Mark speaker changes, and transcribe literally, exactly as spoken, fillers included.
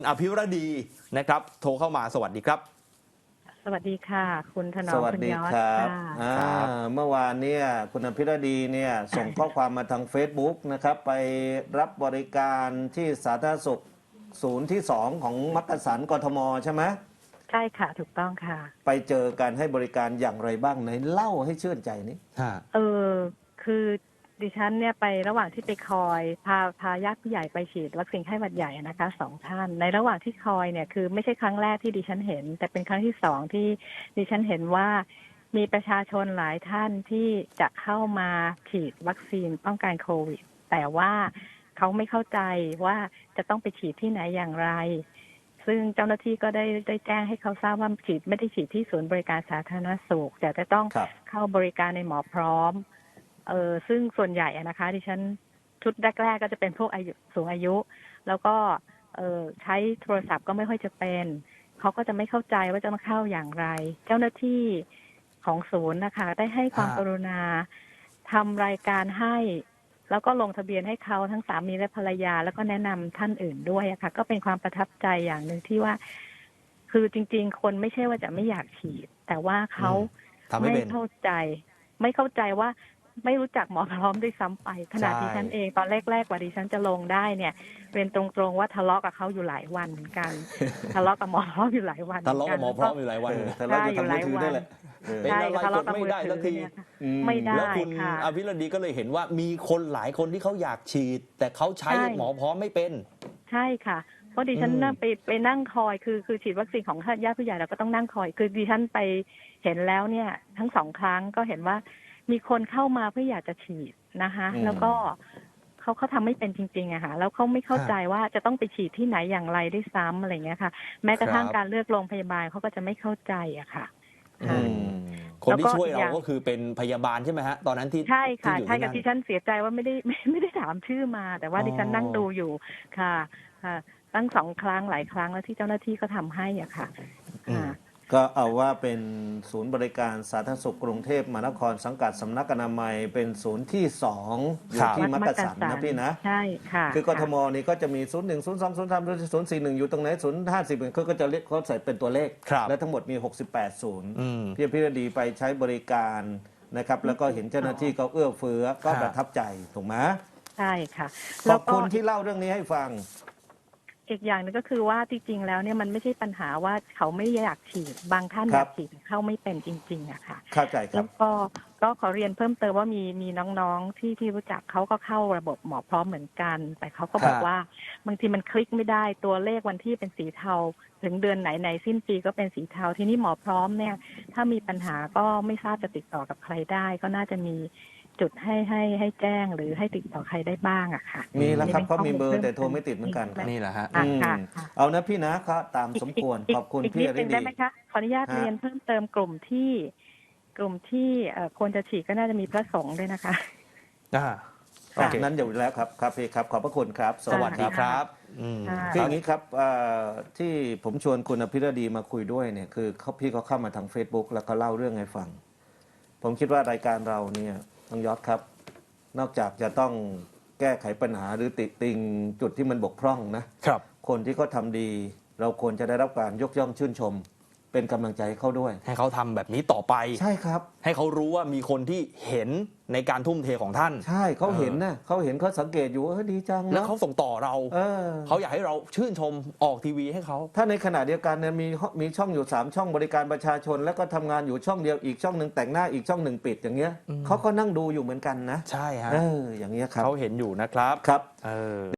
Speaker 1: อภิรดีนะครับโทรเข้ามาสวัสดีครับ
Speaker 2: สวัสดีค่ะคุณถนอม
Speaker 3: สวัสดีครับเมื่อวานเนี่ยคุณอภิรดีเนี่ยส่งข้อความมาทาง Facebook นะครับไปรับบริการที่สาธารณสุขศูนย์ที่สองของมักกะสันกทมใช่ไหม
Speaker 2: ใช่ค่ะถูกต้องค่ะ
Speaker 3: ไปเจอการให้บริการอย่างไรบ้างไหนเล่าให้ชื่นใจนี้
Speaker 2: เออคือดิฉันเนี่ยไประหว่างที่ไปคอยพาพาญาติผู้ใหญ่ไปฉีดวัคซีนไข้หวัดใหญ่นะคะสองท่านในระหว่างที่คอยเนี่ยคือไม่ใช่ครั้งแรกที่ดิฉันเห็นแต่เป็นครั้งที่สองที่ดิฉันเห็นว่ามีประชาชนหลายท่านที่จะเข้ามาฉีดวัคซีนป้องกันโควิดแต่ว่าเขาไม่เข้าใจว่าจะต้องไปฉีดที่ไหนอย่างไรซึ่งเจ้าหน้าที่ก็ได้ได้แจ้งให้เขาทราบว่าฉีดไม่ได้ฉีดที่ศูนย์บริการสาธารณสุขแต่จะต้องเข้าบริการในหมอพร้อมเออซึ่งส่วนใหญ่นะคะดิฉันชุดแรกๆก็จะเป็นพวกอายุสูงอายุแล้วก็เออใช้โทรศัพท์ก็ไม่ค่อยจะเป็นเขาก็จะไม่เข้าใจว่าจะมาเข้าอย่างไรเจ้าหน้าที่ของศูนย์นะคะได้ให้ความกรุณาทำรายการให้แล้วก็ลงทะเบียนให้เขาทั้งสามีและภรรยาแล้วก็แนะนำท่านอื่นด้วยอะค่ะก็เป็นความประทับใจอย่างหนึ่งที่ว่าคือจริงๆคนไม่ใช่ว่าจะไม่อยากฉีดแต่ว่าเขาไม่เข้าใจไม่เข้าใจว่าไม่รู้จักหมอพร้อมด้วยซ้ำไปขณะที่ฉันเองตอนแรกๆกว่าดิฉันจะลงได้เนี่ยเรียนตรงๆว่าทะเลาะกับเขาอยู่หลายวันเหมือนกันทะเลาะกับหมอพร้อมอยู่หลายวัน
Speaker 1: ทะเลาะกับหมอพร้อมอยู่หลายวัน
Speaker 3: ทะเลาะอยู่หลายวัน
Speaker 1: เป็นอะไรกดไม่ได้สักที
Speaker 2: ไม่ได้
Speaker 1: แล้วคุณอภิรดีก็เลยเห็นว่ามีคนหลายคนที่เขาอยากฉีดแต่เขาใช้หมอพร้อมไม่เป็น
Speaker 2: ใช่ค่ะเพราะดิฉันนั่งไปไปนั่งคอยคือคือฉีดวัคซีนของญาติผู้ใหญ่เราก็ต้องนั่งคอยคือดิฉันไปเห็นแล้วเนี่ยทั้งสองครั้งก็เห็นว่ามีคนเข้ามาเพื่ออยากจะฉีดนะคะแล้วก็เขาเขาทำไม่เป็นจริงๆอะค่ะแล้วเขาไม่เข้าใจว่าจะต้องไปฉีดที่ไหนอย่างไรได้ซ้ำอะไรเงี้ยค่ะแม้กระทั่งการเลือกโรงพยาบาลเขาก็จะไม่เข้าใจอะค่ะ
Speaker 1: คนที่ช่วยเราก็คือเป็นพยาบาลใช่ไหมฮะตอนนั้นที่
Speaker 2: ใช่ค่ะใช่กับที่ฉันเสียใจว่าไม่ได้ไม่ไม่ได้ถามชื่อมาแต่ว่าดิฉันนั่งดูอยู่ค่ะค่ะตั้งสองครั้งหลายครั้งแล้วที่เจ้าหน้าที่ก็ทำให้อ่ะค่ะ
Speaker 3: ก็เอาว่าเป็นศูนย์บริการสาธารณสุขกรุงเทพมหานครสังกัดสำนักอนามัยเป็นศูนย์ที่สองอยู่ที่มักกะสันนะพี่นะ
Speaker 2: ใช่ค่ะ
Speaker 3: คือกทมนี่ก็จะมีศูนย์หนึ่งศูนย์สองศูนย์สามศูนย์สี่หนึ่งอยู่ตรงไหนศูนย์ห้าสิบเขาก็จะเรียกเขาใส่เป็นตัวเลขและทั้งหมดมีหกสิบแปดศูนย์พี่อภิรดีไปใช้บริการนะครับแล้วก็เห็นเจ้าหน้าที่เขาเอื้อเฟื้อก็ประทับใจถูกไหม
Speaker 2: ใช่ค่ะ
Speaker 3: ขอบคุณที่เล่าเรื่องนี้ให้ฟัง
Speaker 2: อีกอย่างนึงก็คือว่าจริงๆแล้วเนี่ยมันไม่ใช่ปัญหาว่าเขาไม่อยากฉีดบางท่านอยากฉีดเข้าไม่เป็นจริงๆอะค่ะ
Speaker 3: เข้าใจครับ
Speaker 2: แล้วก็ก็ขอเรียนเพิ่มเติมว่ามีมีน้องๆที่ที่รู้จักเขาก็เข้าระบบหมอพร้อมเหมือนกันแต่เขาก็บอกว่าบางทีมันคลิกไม่ได้ตัวเลขวันที่เป็นสีเทาถึงเดือนไหนในสิ้นปีก็เป็นสีเทาทีนี้หมอพร้อมเนี่ยถ้ามีปัญหาก็ไม่ทราบจะติดต่อกับใครได้ก็น่าจะมีจุดให้ให้ให้แจ้งหรือให้ติดต่อใครได้บ้างอะค่ะ
Speaker 3: มีแล้วครับเขามีเบอร์แต่โทรไม่ติดเหมือนกัน
Speaker 1: นี่แหละฮะ
Speaker 3: เอานะพี่นะก็ตามสมควรขอบคุณพี่อภิรดี
Speaker 2: ได้ไหมคะขออนุญาตเรียนเพิ่มเติมกลุ่มที่กลุ่มที่ควรจะฉีดก็น่าจะมีพระสงฆ์ด้วยนะคะ
Speaker 3: อ่าโอเคนั้นอยู่แล้วครับครับพี่ครับขอบพระคุณครับ
Speaker 1: สวัสดีครับ
Speaker 3: คืออย่างนี้ครับที่ผมชวนคุณอภิรดีมาคุยด้วยเนี่ยคือเขาพี่เขาเข้ามาทาง Facebook แล้วก็เล่าเรื่องให้ฟังผมคิดว่ารายการเราเนี่ยต้องยอดครับนอกจากจะต้องแก้ไขปัญหาหรือติติงจุดที่มันบกพร่องนะครับคนที่เขาทำดีเราควรจะได้รับการยกย่องชื่นชมเป็นกำลังใจให้เขาด้วย
Speaker 1: ให้เขาทำแบบนี้ต่อไป
Speaker 3: ใช่ครับ
Speaker 1: ให้เขารู้ว่ามีคนที่เห็นในการทุ่มเทของท่าน
Speaker 3: ใช่เขาเห็นนะเขาเห็นเขาสังเกตอยู่เออดีจัง
Speaker 1: แล้วเขาส่งต่อเราเออเขาอยากให้เราชื่นชมออกทีวีให้เขา
Speaker 3: ถ้าในขณะเดียวกันเนี่ยมีมีช่องอยู่สามช่องบริการประชาชนแล้วก็ทำงานอยู่ช่องเดียวอีกช่องหนึ่งแต่งหน้าอีกช่องหนึ่งปิดอย่างเงี้ยเขาก็นั่งดูอยู่เหมือนกันนะ
Speaker 1: ใช่ฮะ
Speaker 3: เอออย่างเงี้ยครับ
Speaker 1: เขาเห็นอยู่นะครับ
Speaker 3: ครับ
Speaker 1: เออ